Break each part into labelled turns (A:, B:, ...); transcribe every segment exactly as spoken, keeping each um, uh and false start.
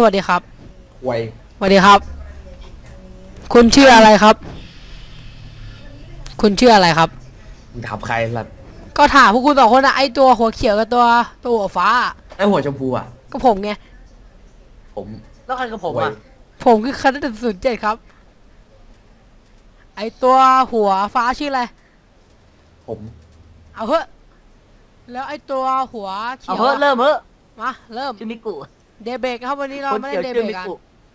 A: วัสดีครับ
B: ควย
A: สวัสดีครับคุณชื่ออะไรครับคุณชื่ออะไรครับ
B: มึงถามใครล่ะ
A: ก็ถามพวกคุณสองคนอะไอตัวหัวเขียวกับตัวตัวหัวฟ้า
B: ไอหัวชมพูอ่ะ
A: ก็ผมไง
B: ผม
C: แล้วใครกับผมอ่ะ
A: ผมคือคณะศูนย์เจ็ดครับไอตัวหัวฟ้าชื่ออะไร
B: ผม
A: เอาเถอะแล้วไอตัวหัวเขียว
C: เอาเพิ่มเริ่มเพิ่ม
A: มาเริ่ม
C: ชื่อมิกุ
A: เดเบกครับวันนี้เรา
C: คน
A: ไม่ได้
C: เขียว
A: เด
C: ชื่
A: เบ
C: อก มิ
A: กัน
C: กุ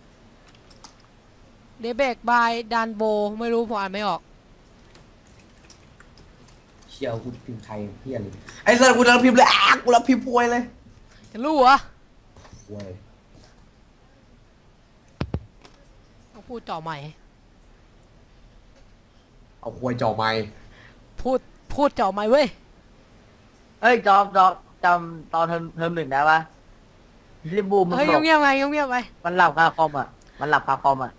A: เดเบกบายดันโบไม่รู้ผมอ่านไม่ออก
B: เชียวกูพิมพ์ไทยเพี้ยเลยไอ้สัตว์กูรับพิมพ์เลยอ้ากูรับพิมพ์ป่วยเลย
A: จะรู้เหรอ
B: ป่วย
A: ต้องพูดจ่อใหม่
B: เอาควยจ่อไม้
A: พูดพูดจ่อใหม่เว้ย
C: เอ้ยจอมจอมจำตอนเทอมเทอมหนึ่งได้ปะที่บูมมัน
A: เฮ้ย
C: บอก
A: เงียบๆไปเงียบๆไป
C: มันหลับคาคอมอ่ะมันหลับคาคอมอ่ะ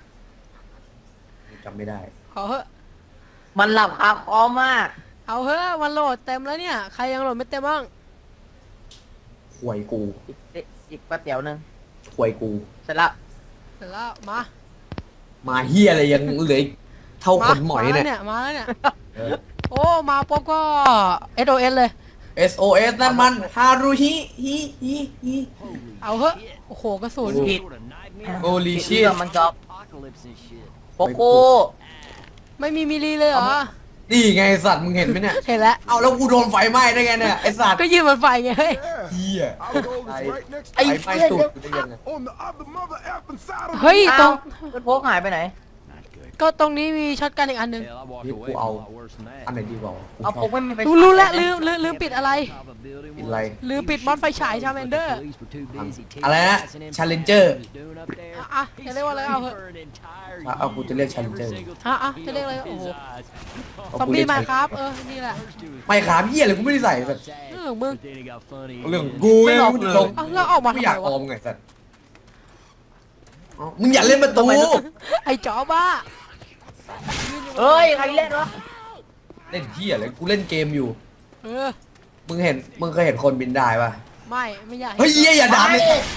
B: จำไม่ได้
A: ขอเถอะ
C: มันหลับคาคอมอ่ะ
A: เอาเถอะมันโหลดเต็มแล้วเนี่ยใครยังโหลดไม่เต็มบ้าง
B: ควยกู
C: อีกอีกแป๊บเดียวนึง
B: ควยกู
C: เสร็จละ
A: เสร็จแล้วมา
B: มาเฮียอะไรยังเหลืออีกเท่าขนหมอย
A: มา
B: เนี่ย
A: มาแล้วเนี่ย
B: เออ
A: โอ้มาปุ๊บก็ เอส โอ เอส เลย
B: เอส โอ เอส นั่นมันฮารุฮิฮิฮิฮิ
A: เอาเถอะโอ้โหกระสุน
C: ผิด
B: โอลี
C: ผิด
B: ชิ
C: เรื่องมันจอบโปโก้
A: ไม่มีมิลลีเลยเหรอ
B: นี่ไงสัตว์มึงเห็นไหมเนี่ย
A: เห็นแล้ว
B: เอาแล้วกูโดนไฟไหม้ได้ไงเนี่ยไอสัตว์
A: ก็ยืนบนไฟไงเฮ้ย
B: เฮีย
C: ไอ้
B: ไฟไหม้
C: เพื่อน
B: ตูดกูได้ยังไง
A: เฮ้ยตร
C: เอ้าง เพื่อนโพกหายไปไหน
A: ก็ตรงนี้มีช็อตกันอีกอันหนึ่ง
B: นี่กูเอาอันไหนดีกว่า
C: เอาโพกไม่มีไฟ
A: รู้รู้แล้วลืมลืมลืมปิดอะไร
B: กินอะไร
A: ลืมปิดมอสไฟฉายชาเมนเดอร์
B: อะไรนะ Challenger
A: อ่ะอ่ะจะเรียกว่าอะไรเอาเถอะ
B: อ่ะเอากูจะเรียก Challenger
A: อ่ะอ่ะจะเรียกอะไรโอ้โห
B: เอา
A: ซอม
B: กู
A: บี้
B: เรียก
A: มา
B: Challenger
A: ครับเออนี่แหละ
B: ไม่ขามเหี้ยเลยกูไม่ได้ใส่สัตว์
A: เรื่องของมึง
B: เรื่องกูไงมึงลง
A: เอาแล้วออกมา
B: ไม่
A: ทำ
B: อยาก
A: ไม
B: อ
A: วะ
B: อมไงสัตว์อ๋อมึงอย่าเล่นประตู
A: ไอ้จ๋อบ้า
C: เฮ้ยใครเล่นวะ
B: เล่นเหี้ยเลยกูเล่นเกมอยู่
A: เออ
B: มึงเห็นมึงเคยเห็นคนบินได้ป่ะ
A: ไม่ไม่อยาก
B: เฮ้ยเหี้ยอย่าด่าเลย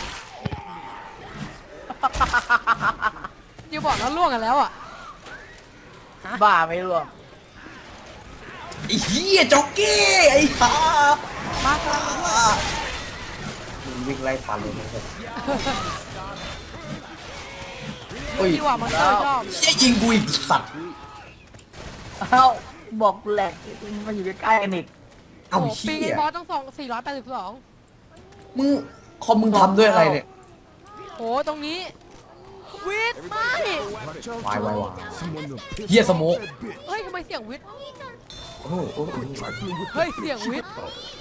A: ยูบอกแล้วล่วงกันแล้วอ่ะ
C: บ้าไม่รู้อะ
B: ไอ้เหี้ยจ็อกเก้ไอ้ห่า
A: มาครับ
B: มึงวิ่งไล่ฟันเลยนะเว้ยโอ้ย
A: ดีกว่ามันเตอร์ชอบ
B: เหี้ยยิงกูอีกสัตว์
C: เอ้าบอกแหลกมันอยู่ใกล้ๆกันอีก
B: เอ้า
A: โอ้โหปี
B: เหี้
A: นี้
B: ย
A: บอสต้องสองสี่ร้อยแปดสิบสอง
B: มึงคอมมึงทำด้วยอะไรเนี่ย
A: โอ้ตรงนี้วิทย์ไม่
B: วายวายวายเหี้ยสโมก
A: เฮ้ยทำไมเสียงวิทย์
B: โอ้โหโอ้โห
A: เฮ้ยเสียงวิทย์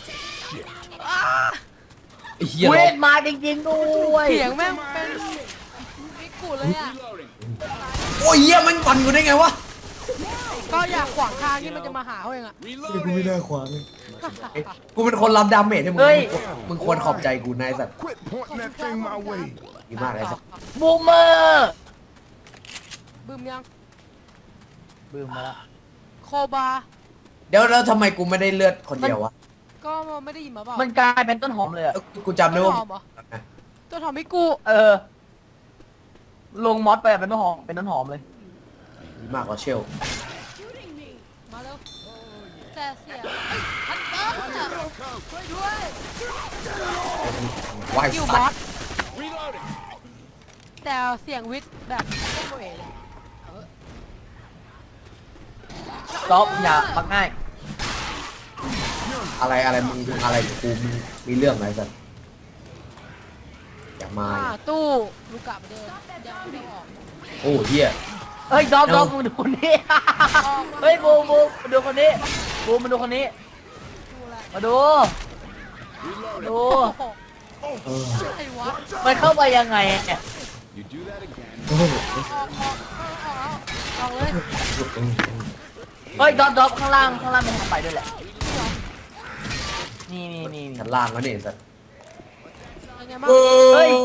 B: ไอ้เหี้ย
C: เว
B: เรา
C: ทมาจริงๆด้วย
A: เสียงแม่งเป็นมิกุเลยอ่ะ
B: โอ้ยเหี้ยมันปั่นกูได้ไงวะ
A: ก็อยากขวางทางที่มันจะมาหาเขาเองอ่ะ
B: กูไม่ได้ขวางเลยกูเป็นคนรับดาเมจให้มึงมึงควรขอบใจกูนายสัตว์
D: Quit pointing that thing my way.
B: ดีมากเลยสัตว์
C: บูมเมอร์
A: บึมยัง
C: บูมมาแล้ว
A: โคบา
B: เดี๋ยวแล้วทำไมกูไม่ได้เลือดคนเดียววะ
A: ก็ไม่ได้ยินมาเปล่า
C: มันกลายเป็นต้นหอมเลยอะ
B: เอ้ากูจำได้
A: ต้น
B: ว่า
A: หอมเหรอต้นหอมมิกุ
C: เออ ลงมอสไปอะเป็นต้นหอมเป็นต้นหอมเลย
B: ดีมากกว่าเชล
A: มาเร็วแต่เสียงฮันเตอร์ช่วยด้วย
B: วาย
A: คิวบ
B: สั
A: อ
B: ต
A: ส
B: ว์
A: แต่เสียงวิทย์แบบไม่โมเอเลย
C: จ๊อบอย่าปักง่าย
B: อะไรอะไรมึงมึงอะไรกับกูมึงมีเรื่องอะไรสัตว์อย่ามา
A: อ่าตู้ลูกกะไปเดินยังไม่ออก
B: โอ้เหี้ย
C: เฮ้ยจ๊อบจ๊อบมึงดูคนนี้ เฮ้ยบูมบูมมาดูคนนี้บูมมาดูคนนี้
A: ดูแล
C: มาดูมาดู
A: โอ้โห
B: เออ
A: อะไรวะ
C: มันเข้าไปยังไงเนี่ย
B: โอ้โห
A: ออกออกออกออกเลย
C: เฮ้ยจ๊อบจ๊อบข้างล่างข้างล่างมันเข้าไปด้วยแหละนี่นี่นี่
B: ชั้นล่างแล้วเนี่ยสัตว์
A: ยังไงบ้าง
B: โอ้
C: เฮ้ย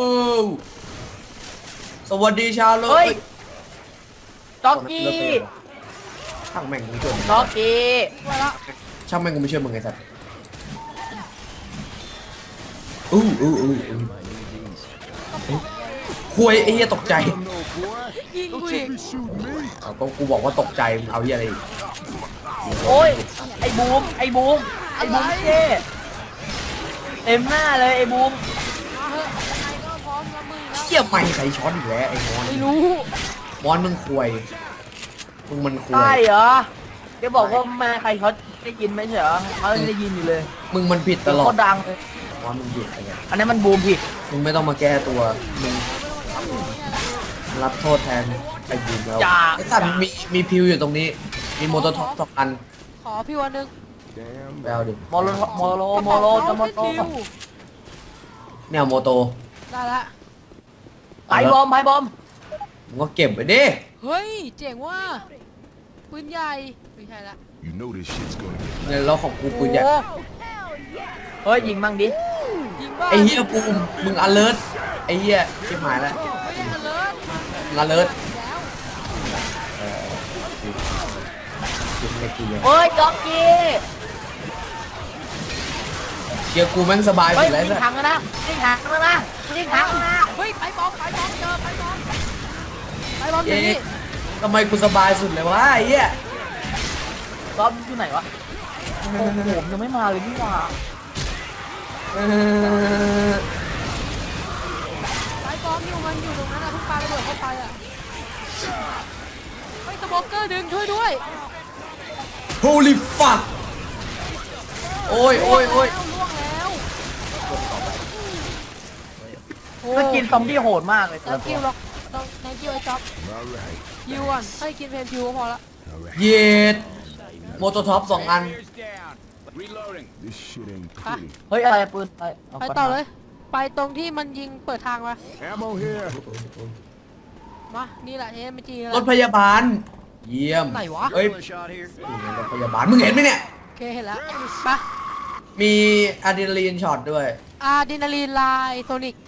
B: สวัสดีชาวโลก
C: เฮ้ยจ๊อกกี้
B: ช่างแม่งกูไม่ช่วยมึง
C: จ๊อกกี้
A: ช่วยละ
B: ช่างแม่งกูไม่ช่วยมึงไงสัตว์อู้อู้อู้อู้
A: ก็ปลุกไง
B: คุยไอ้เหี้ยตกใจ
D: No, boy.
A: ยิงกูอีก
D: You shoot me?
B: เอาก็กูบอกว่าตกใจมึงเอาเหี้ยอะไรอีก
C: โอ้ยไอ้บูมไอ้บูมไอ้บูมเจ้เต็มหน้าเลยไอ้บูม
A: มาเถอะยังไงก็พร้อมรับมือแล้ว
B: เหี้ยไม่ใครช้อนอีกแล้วไอ้มอน
A: ไม่รู้
B: มอนมึงคุยมึงมันคุ
C: ใช่
B: ย
C: เหรอแกบอกว่าแม่ใครเขาได้ยินไหมใช่เหรอเขาได้ยินอยู่เลย
B: มึงมันผิดตลอ
C: โค
B: ด
C: ตรดังเลย
B: มอนมึงผิดไอ้เนี่ย
C: อันนั้นมันบูมผิด
B: มึงไม่ต้องมาแก้ตัวมึงรับโทษแทนไอ้บูมแล้ว
C: อย่า
B: ไอ้สัตว์มีมีพิวอยู่ตรงนี้ มีโมโตท็อปสองอัน
A: ขอพี่วันหนึ่ง
D: Damn.
B: ไปเอาดิ
C: โมโลโมโลโมโลจะโมโต
B: เนี่ยโมโต
A: ได้ละ
C: ไพ่บอมไพ่บอม
B: มึงก็เก็บไปดิ
A: เฮ้ยเจ๋งว่ะปืนใหญ่ไม่ใช่ละ
D: You know this shit's gonna get
B: เนี่ยแล้วของกูปืนใหญ่
A: โอ้
C: เฮ้ยยิงมั่งดิ
A: ยิงบ้า
B: ไอ้เหี้ยปูมมึงอเลิร์ตไอ้เหี้ยชิบหายแล้ว
A: ไม่ได้อเลิร์
B: มึงอเลิร์ต
A: แล้ว
B: ยิงไม่กี่อย่าง
C: เฮ้ยจ็อกกี้
B: เชียร์กูแม่งสบาย
C: เฮ้
B: สุ
C: ย
B: ดแล้ว
C: ยิง
B: เนี่ย
C: ถังแล้วนะยิงถังแล้วนะยิงถังแล้วนะ
A: เฮ้ยไปบอมไปบอมเจอไปบอมไปบอมอยู่
B: เอ๊ะ
A: นี่
B: ทำไมกูสบายสุดเลยวะไอ้เหี้ย
C: รอบอยู่ไหนวะโอ้โหผมยังไม่มาเลยนี่หว่า
B: เออ
A: ไปบอมอยู่มันอยู่ตรงนั้นอะทุกปลาระเบิดเข้าไปอะเฮ้ยสโมกเกอร์ดึงช่วยด้วย
B: holy fuck โอ้ยโอ้ยโอ้ย
A: ล่วงแล้วโอ้
C: ก็กินซอมบี้โหดมากเลยแต่
A: แล้
C: ละ
A: ว
C: ตั
A: คิ
C: ว
A: วหรอกต้องแทงคิวไอ้จ๊อบ
D: all right.
A: คิวก่อนให้กินเพนคิวก็พอละ
D: All right.
B: เย็ดโมโตท็อปสองอัน
D: This shit ain't
A: Ah.
D: pretty.
C: เฮ้ยอะไรปืนไปา
A: ไปต่อเลย ไปตรงที่มันยิงเปิดทางมา
D: Ammo here.
A: มานี่แหละเอ็มจี
B: รถพยาบาล เยี่ยม
A: ไหนวะ
B: เฮ้ยรถพยาบาลมึงเห็นไหมเนี่ย
A: โอเคเห็นแล้วไป
B: มีอะดรีนาลีนช็อตด้วย
A: อะดรีนาลีนไลน์โทนิก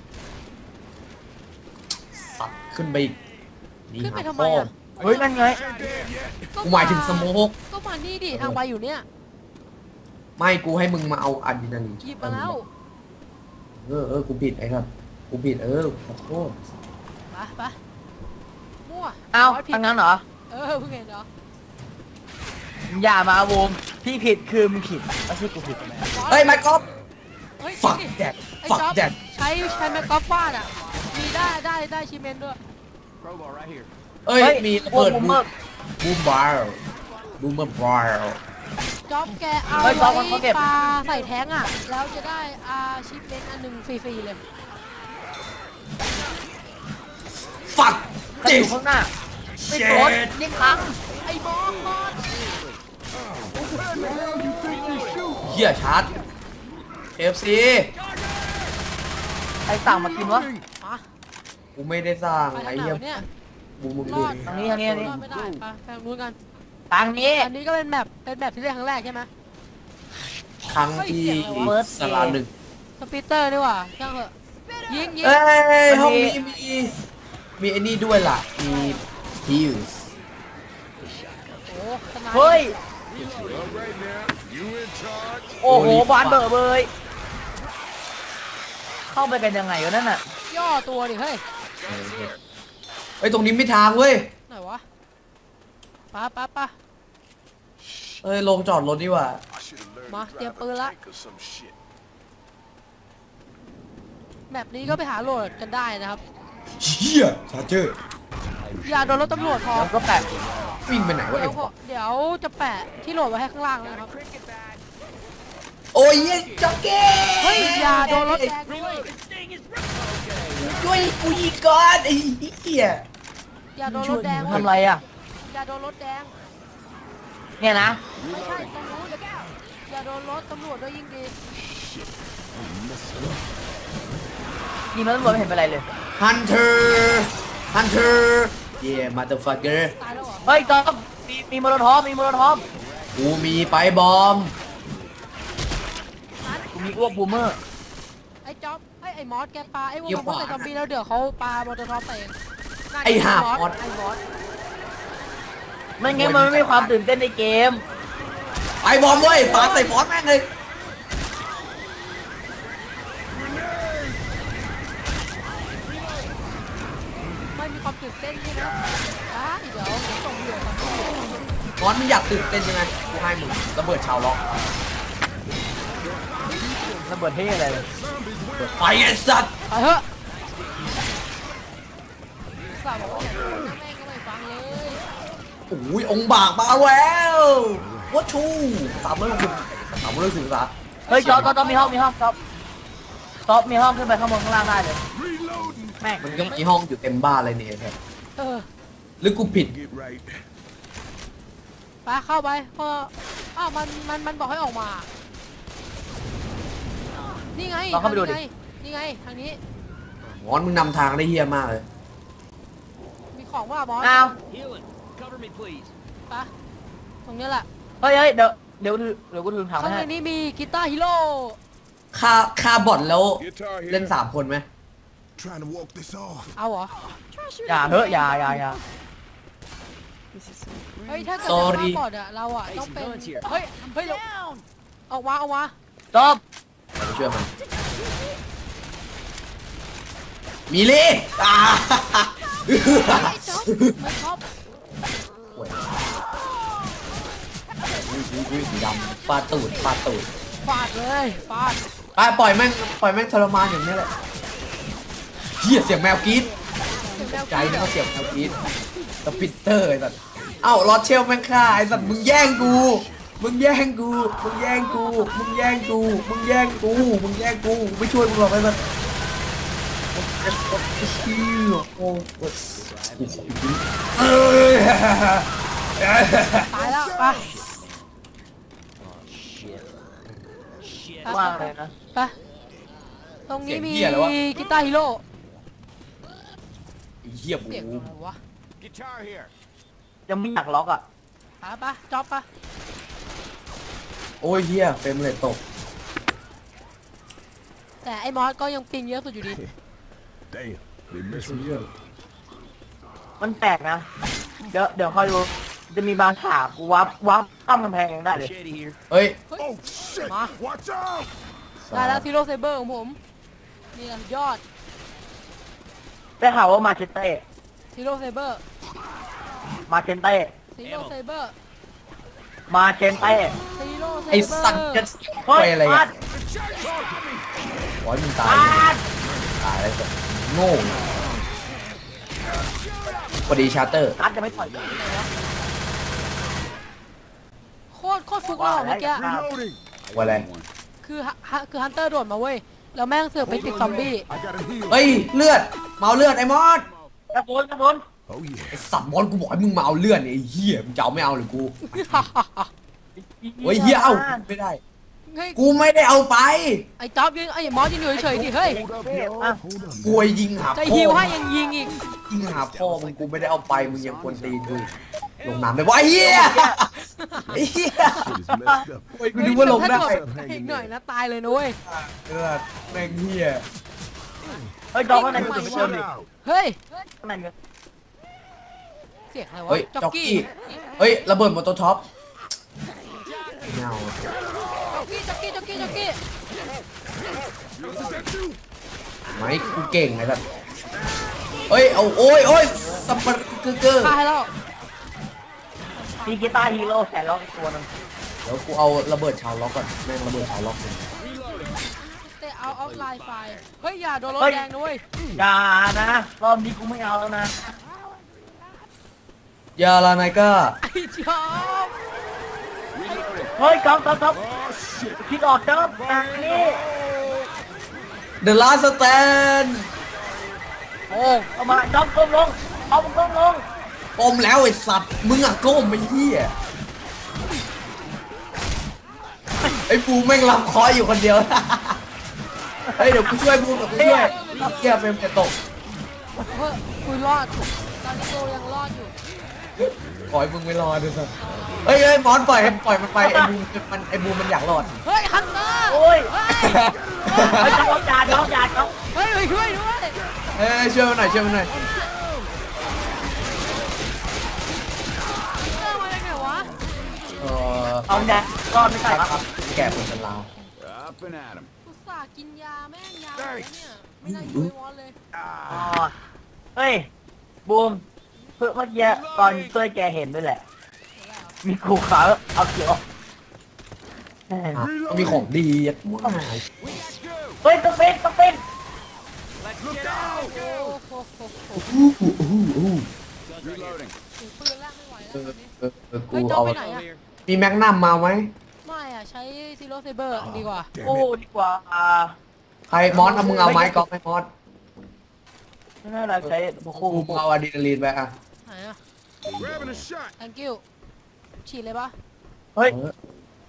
B: สัตว์ขึ้นไปอีกนี่
A: ขึ้นไป
B: หา
A: ทำไม
B: พ่อ
A: อ่ะ
C: เฮ้ยนั่นไง
B: กูหมายถึงสโมก
A: ก็มานี่ดิทางไปอยู่เนี่ย
B: ไม่กูให้มึงมาเอาอะดรีนาลีน
A: หยิบมาแล้ว
B: เออเออกูผิดไอ้ครับกูผิดเออขอโทษ
A: ไปไปมั่ว
C: เอ้า
A: ร้ยผิด
C: ทางนั้นเหรอ
A: เออเพิ่งเห็นเหรอ
C: อย่ามาบูมพี่ผิดคือมึงผิดไม่ใช่กูผิด
B: เฮ้ยไมค์กอล์ฟ
A: เฮ้ย
B: ฝัก
A: จริงดิ
B: แดด
A: ไอ้
B: ฝัก
A: จ๊อบ
B: แดด
A: ใช้ใช้แมกกอล์ฟฟาดอ่ะ มีได้ได้ได้ชิเมนด้วย
B: เอ้ย มีระ
C: โอ้
B: เบิด
C: บูม
B: บู
C: เมอร์
B: บูมบาร์บูมเมอร์บาร์
A: จ๊อบแกเอา
C: เฮ้ยจ๊อบมัน
A: ไว้
C: เขาเก็บ
A: ปลาใส่แท้งอ่ะ แล้วจะได้อาชิปเมนอันหนึ่งฟรีๆเลย
B: ฝัก
C: กระ
B: จิ
C: สุ
B: ส
C: นข้างหน้าไม่
B: เจ็
C: โดน
B: ด
C: ยิงถัง
A: ไอ้บอมบอม
B: เหี้ยชาร์จเอฟซี
C: ใครสั่งมากินวะ
A: มา
B: กูไม่ได้สร้าง
A: ไปทา
B: ไอ้
A: งไหน
B: เหี้ยว
A: ะเนี่ย
B: บูมมึง
A: ร
B: ดู
A: อด
C: ทางนี้ทางนี้ทางนี้
A: รอดไม่ได้ไปไปทางนู้นกัน
C: ทางนี้
A: อันนี้ก็เป็นแบบเป็นแบบที่เล่นครั้งแรกใช่ไหม
B: ครั้งที่
A: เฮ้ยเสียงอะไรวะ
B: สลาหนึ่ง
A: สปีเตอร์นี่หว่าช่างเถอะยิงยิง
B: เอ้ย
C: มันมี
B: ห้องนี้มี มีไอ้นี่ด้วยล่ะ มีฮิวส์
A: โอ้สนาย
C: เฮ้ย
D: All right now. You in charge?
C: โอ้โห
B: Holy
C: บาน
B: fuck
C: เบอร์เบยเข้าไปกันยังไงวะนั่นน่ะ
A: ย่อตัวดิเฮ้ย
B: เฮ้ย ตรงนี้ไม่ทางเว้ย
A: ไหนวะปะปะปะ
B: เอ้ย ลงจอดรถดีกว่า
D: I should have learned
A: Ma,
D: to
A: tiêm
D: drive
A: pơ
D: a
A: lắm.
D: tank or some shit.
A: แบบนี้ก็ไปหาโหลดกันได้นะครับ
B: เชี่ยชาร์เจอร์
A: อย่าโดนรถตำรวจพอ
C: แล้วก็แปะ
B: วิ่งไปไหนวะ
A: เดี๋
B: ไอ้
A: ยวพอเดี๋ยวจะแปะที่โหลดไว้ให้ข้างล่างนะครับ
B: โอ้ยเหี้ยจ็อกเก้
A: เฮ้ยอย่าโดนรถแดงด้วย
B: ช่วยกูยิงก่อนไอ้เหี้ย
A: อย่าโดนรถแดง
C: ทำไรอ่ะ
A: อย่าโดนรถแดง
C: เนี่ยนะ
A: ไม่ใช่ตรงนู้นอย่าโดนรถตำรวจด้วยยิ่งดี
C: นี่มันตำรวจไม่เห็นเป็นไรเลย
B: ฮันเตอร์ฮันเตอร์เย่มาเตอร์ฟักเกอร์
A: ตายแล้วเหรอ
C: เฮ้ยจอมมีมีโมโลทอฟมีโมโลทอฟ
B: กูมีไปบอม
C: กูมีอ้วกบูมเมอร์
A: ไอ้จ๊อบไอ้ไอ้มอสแกปาไอ้วงมอสใส่ซอมบี้แล้วเดี๋ยวเขาปาโมโตท็อปใส่เองนั่น
B: ไอ้ห่ามอส
A: ไอ้มอส
C: ไม่งั้นมันไม่มีความตื่นเต้นในเกม
B: ไปบอมเว้ยปาใส่บอสแม่งเลย
A: มีความตื่นเต้นใช่ไหมอ่ะเดี๋ยวเดี๋ยวส่งเหยื่อก่อน
B: มอนมึงอยากตื่นเต้นยังไงกูให้มึงระเบิดชาวล็อก
C: ระเบิดเท่อะไรเลย
B: ไปไอ้สัตว์
A: ไปเถอะสาวบอกว่าอย่าโดนนะแม่งก็ไม่ฟังเลย
B: โอ้ยองค์บากมาแล้ววัชชูสามร้อยหกสิบสามร้อยหกสิบองศา
C: เฮ้ยจอบจอบจอบมีห้องมีห้องจอบจอบมีห้องขึ้นไปข้างบนข้างล่างได้เลย
D: Reloading.
C: แม่ง
B: มันก็มีห้องอยู่เต็มบ้านเลยเนี่ยครับ
A: เออ
B: หรือกูผิด
D: Get right.
A: ไปเข้าไปพออ้าวมันมันมันบอกให้ออกมา นี่ไง
C: ลองเข้าไปดูดิ
A: ทงนี้ไงนี่ไงทางนี้
B: มอนมึงนำทางได้เฮี้ยมากเลย
A: มีของว่าบอส
C: อ้าว
A: ไปตรงนี้แหละ
C: เฮ้ยเฮ้ยเดี๋ยวเดี๋ยวเดี๋ยวกูถึงถาม
A: ข้างใน
C: ให้
A: นี้มีกีตาร์ฮีโร่
B: ค่าค่าบอทแล้ว
D: Guitar
B: เล่น
D: here.
B: สามคนไหม
D: Trying to walk this off.
A: เอาเหรอ
C: อย่าเฮ้ยอย่าอย่าอย่า
A: เฮ้ยถ้าเกิด
B: Sorry
A: ว่าก่อนอะเราอะต้องเป็นเฮ้ยเฮ้ยเราออกมาออกมา
C: จอบ
B: ไปช่วยมันมีเล่อ่า
A: ไอ้จ๊อบไม่ชอบ
B: โอ้ยอุ้ยอุ้ยอุ้ยสีดำปลาตูดปลาตูด
A: ฟาดเลยฟาด
B: ไปปล่อยแม่งปล่อยแม่งทรมานอย่างนี้แหละเฮียเสียงแมวกรี๊ด
A: เดี๋ยวแมว
B: ใจ
A: กิน
B: นะ
A: อะ
B: เขาเสียงแมวกรี๊ดสปิตเตอร์ไอ้สัตว์เอ้ารอดเชลแม่งฆ่าไอ้สัตว์มึงแย่งกูมึงแย่งกูมึงแย่งกูมึงแย่งกูมึงแย่งกูมึงแย่งกูไม่ช่วยมึงหรอกไอ้สัตว์โอ้โหเอ้ย
A: ตายแล้วไปไป
C: ว่าอะไรนะ
A: ไปตรงนี้มีกีตาร์ฮีโร่
B: เหี้ยบู
A: เสียงอะไรวะ
D: Guitar here.
C: ยังไม่อยากล็อกอ่ะ
A: ไปไปจ๊อบไป
B: โอ้ยเหี้ยเฟรมเลยตก
A: แต่ไอ้มอสก็ยังปิงเยอะสุดอยู่ดี
D: Damn. They messed me up.
C: มันแปลกนะ เดี๋ยวเดี๋ยวคอยดูจะมีบางฉากกูวับวับข้ามกำแพงยังได้เลย
B: เฮ้ย
D: Oh shit!
A: Ma.
D: Watch out!
A: ได้แล้วซีโร่เซเบอร์ของผม นี่แหละยอด
C: ได้ข่าวว่ามาเชนเต้
A: ซีโร่เซเบอร์
C: มาเชนเต้
A: ซีโร่เซเบอร์
C: มาเชนเต้
A: ซีโร่เซเบอร์
B: ไอ้สัตว์จะ
C: เฮ้ย
B: ไปอะไร
C: ฟา
B: อ่ะ
C: ด
B: ขอให้มึงตาย
C: ฟาด
B: ตายแล้วสัตว์โง่พอดีชาร์เตอร์
C: นัดจะไม่ต่อย
A: โคตรโคตรฟุกเราเมื่อกี้
D: Reloading.
B: ว่าอะไร
A: คือฮะฮะคือฮันเตอร์โดดมาเว้ย แล้วแม่งเสือกไปติดซอมบี้
D: I gotta heal.
B: เฮ้ยเลือดเมาเลือดไอ้มอส
C: กระสุนกระสุน
D: Oh yeah.
B: ไอ้สัตว์มอสกูบอกให้มึงมาเอาเลือดเนี่ยไอ้เหี้ยมึงจะเอาไม่เอาหรือกูโอ้ยเหี้ยเอ้าไม่ได้
A: เฮ้ย
B: กูไม่ได้เอาไป
A: ไอ้จ๊อบยิงไอ้มอสยิงอยู่เฉยๆดิเฮ้ย
D: Hold up, yo. Hold up.
B: กูไอ้ยิงหา
A: ใจ
B: พ่อ
A: ฮิวให้ยังยิงอีก
B: ยิงหาพ่อมึงกูไม่ได้เอาไปมึงยังควรตีกูลงน้ำได้วะไอ้เหี้ยไอ้เหี้ย
D: Shit is messed up.
B: โอ้ยกูนึกว่าลงได้
A: เฮ้ยถ้าโดดอีกหน่อยนะตายเลยนะเว้ย
B: เลือดแม่งเหี้ย
C: เฮ้ยจอกข้างในกระสุน
A: ไม่
C: ไม่
A: ไหว
C: เติมดิ
D: Out.
A: เฮ้ย
C: ข้างในมี
A: เสียงอะไรวะ
B: เฮ้ย
A: จ็อก
B: จ็อก
A: กี้
B: กี้เฮ้ยระเบิดมอเตอร์ท็อปไม่เอา
A: จ็อกกี้จ็อกกี้จ็อกกี้จ็อกกี้
D: Is that you?
B: ไม่กูเก่งไงสัตว์เฮ้ยเอาโอ้ยโอ้ยสับปะเกอร์เกอร์
A: ตายแล้ว
C: มีกีตาร์ฮีโร่แสนล็อกอีกตัวหนึง
B: เดี๋ยวกูเอาระเบิดชาวล็อกก่อนแม่งระเบิดชาวล็อกเลย
A: เตะเอาเอาไลน์ไฟเฮ้ยอย่าโดนรถแดงนะเว้ย
C: อย่านะรอบนี้กูไม่เอาแล้วนะ
B: ยาลานายก้า
A: ไอ้จ๊อบ
C: เฮ้ยจอกจอกจอก
D: Oh shit.
C: คิดออกจอกทางนี้
B: The Last Stand
C: โอ้เอามาจอกก้มลงเอาก้มลง
B: ก้มแล้วไอ้สัตว์มึงอะก้มไอ้เหี้ยไอ้ปูแม่งรับเคออยู่คนเดียว เฮ้ยเดี๋ยวกูช่วยบูมเดี๋ยวกูช่วยเหี้ยเฟรมจะตก
A: เฮ้ยคุยรอดตอนนี้โตยังรอดอยู่
B: ขอให้มึงไม่รอดด้วยสัตว์เฮ้ยเฮ้ยมอนปล่อยให้ปล่อยมันไปไอ้บูมมันไอ้บูมมันอยากรอด
A: เฮ้ยฮันเตอร์
C: โอ้ย
A: เฮ้ย
C: เฮ้ยจอกจ่าจอกจ่าจอก
A: เฮ้ยช่วยด้วย
B: เอ้ยช่วยมันหน่อยช่วยมันหน่อย
A: ฮันเตอร์มาได้ไงวะ
B: เออ
C: เอาเนี่ยรอดไม่ใช่
B: ค
C: ค
B: รั
C: รั
B: บบ แก่คนชรา
D: Up and at him.
A: อุตส่าห์กินยาแม่งยาหมดแล้วเนี่ยไม่น่าอยู่ไอ้วอนเลย
C: อ๋อเฮ้ยบูมเพื่อเมื่อกี้ตอนช่วยแกเห็นด้วยแหละ มีกูขาเอาเขียวแม่ง
B: อ่ะมีของดียัดมั่ว
C: เฮ้ยต้องเป็นต้องเป็น
D: Look out!
A: โอ้โหโหโห
B: อู้หูอู้หูอู้
D: Reloading.
A: ถือปืนแล้วไม่ไหว
B: เอ
A: แล้ว
B: อ
A: ตอนนี้
B: เออเออกู
A: เฮ้ยจอ
B: เอา
A: ไปไหนอะ
B: มีแมกนัมมาไหม
A: ไม่อะใช้ซีโร่เซเบอร์ดีกว่า
C: โอ้ดีกว่าอ่า
B: ใครมอสเอามึงเอาไม้กอล์ฟไหมมอส
C: ไม่น่ารักใช้โอ้โห
B: กูเอาอะดรีนาลีนไปอ่ะ
A: ไหนอะ
D: Grabbing a shot.
A: thank you ฉีดเลยปะ
C: เฮ้ย
B: เออ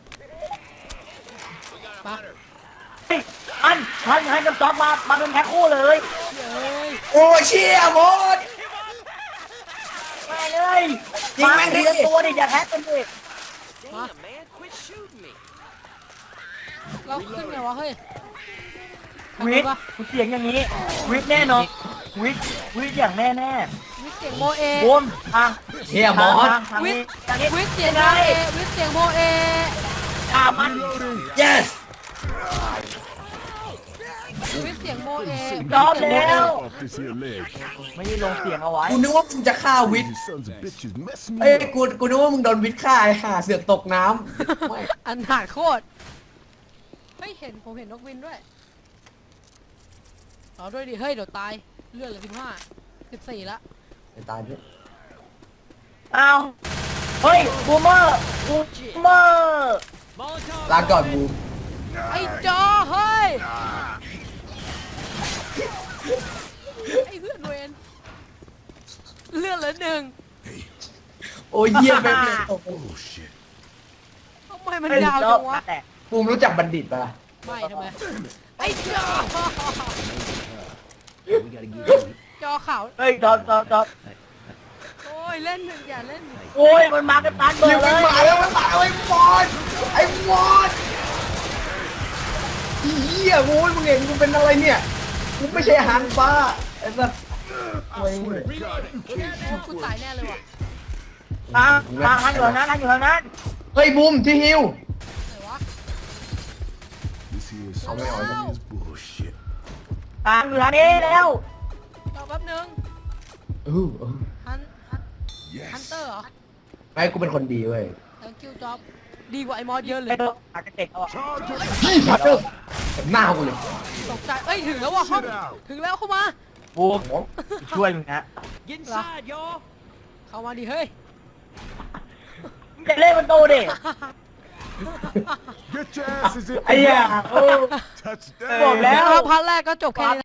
A: ปะ
C: เฮ้ยอันทันทันกับจ็อกมามาเป็นแพ็คคู่เลย
A: เฮ้ย
B: โอ้เชี่ยมอส
C: มาเลย
B: ยิงแม่งดิ
C: าทีละตัวดิอย่าแพ็คกันดิ
A: มาเราขึ้นไงวะเฮ้ย
C: วิทย์กูเสียงอย่างนี้ วิทย์แน่นอนวิทย์วิทย์อย่างแน่แน่
A: วิทย์เสียงโมเอ
C: บูมทาง
B: เชี่ยมอส
C: ทางทาง
A: วิ
C: นี้
A: ทย์
C: ทางนี้
A: วิทย์เสียงโมเอวิทย์เสียงโมเอ
C: ตามมัน
B: yes
A: วิทย์เสียงโมเอ
C: จอมแล้ว
D: Off this here leg.
C: ไม่ได้ลงเสียงเอาไว้
B: กูนึกว่ามึงจะฆ่าวิทย์
D: You sons of bitches messing
B: เอ้ย
D: me up.
B: กูกูนึกว่ามึงโดนวิทย์ฆ่าไอ้ห่าเสือกตกน้ำไม่
A: อันหาโคตรไม่เห็นผมเห็นนกวินด้วยเอาด้วยดิเฮ้ยเดี๋ยวตายเลือดเหลือสิบห้าสิบสี่ละ
B: ไอ้ตายด้วย
C: เอาเฮ้ยบูมเมอร์บูมเมอร์
B: ลาก่อนบู
A: ไอ้จอเฮ้ยไอ้เพื่อนเวนเลือดเหลือหนึ่ง
B: โอ้ยเยี่ยมไปเลยตก
D: Oh shit.
A: ทำไมมันยาวจังวะ
C: แต่
B: บูมรู้จักบัณฑิตปะล่ะ
A: ไม่ทำไมไอ้จอ
D: We gotta get you.
A: จอขาว
C: เฮ้ยจอดจอดจอด
A: โอ้ยเล่นหนึ่งอย่าเล่น
C: โอ้ยมันมากันตันเบอ
B: เดี๋ยว
C: ร์เล
B: มัน
C: ย
B: มาแล้วมันมาแล้วไอ้มอสไอ้มอสอีเหี้ยโว้ยมึงเห็นกูเป็นอะไรเนี่ยกูไม่ใช่อาหารปลาไอ้สัสโอ้ย
D: God, you can't
A: โอ้กูตายแน่เลยว่ะ
C: ทางทางทางอยู่ทางนั้นทางอยู่ทางนั้น
B: เฮ้ยบูมที่ฮิว
A: ไหนวะ
D: This here is
B: Oh, man, I
D: some is bullshit.
C: ทางอยู่ทางนี้แล้ว
A: รอแป๊บนึง
B: อู้อู้
A: ฮันฮันฮัน
D: Yes.
A: เตอร์เหรอ
B: ไม่กูเป็นคนดีเว้ย
A: thank you job ดีกว่าไอ้มอสเยอะเล
C: ไอ้
A: ย
C: ตัวอาจจะเจ็บเอาอะ
D: Charge it.
B: พี่พัตเตอร์เต็มหน้ากูเลย
A: ตกใจเอ้ยถึงแล้วว่ะห้องถึงแล้วเข้ามา
C: บูมช่วยมึงนะ
A: เหรอเข้ามาดิเฮ้ย
C: มึงจะเล่นมันโตดิ
D: Get your asses in.
C: ไอ้เหี้ยโอ้
D: Touchdown.
C: บอกแล้ว
A: นะครับพาร์ทแรกก็จบแค่นี้